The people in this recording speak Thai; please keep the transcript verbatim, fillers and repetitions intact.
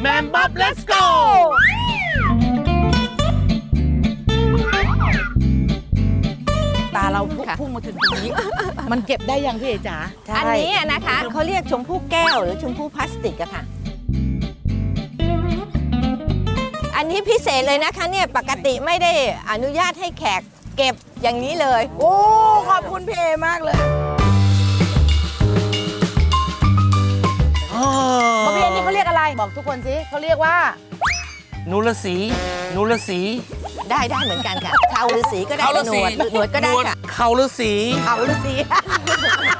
แมมบ๊อบ let's go ตาเราพุ่งมาถึงตรงนี้ มันเก็บได้ยังพี่เอจ๋าอันนี้นะคะเขาเรียกชมพู่แก้วหรือชมพู่พลาสติกอะค่ะ อันนี้พิเศษเลยนะคะเนี่ยปกติไม่ได้อนุญาตให้แขกเก็บอย่างนี้เลยโอ้ขอบคุณพี่เอมากเลยบอกพี่เอนี่เขาเรียกอะไรบอกทุกคนสิเขาเรียกว่านูรสีนูรสีได้ได้เหมือนกันค่ะเขาฤาษีก็ได้หนวดหนวดก็ได้ค่ะเขาฤาษีเขาฤาษี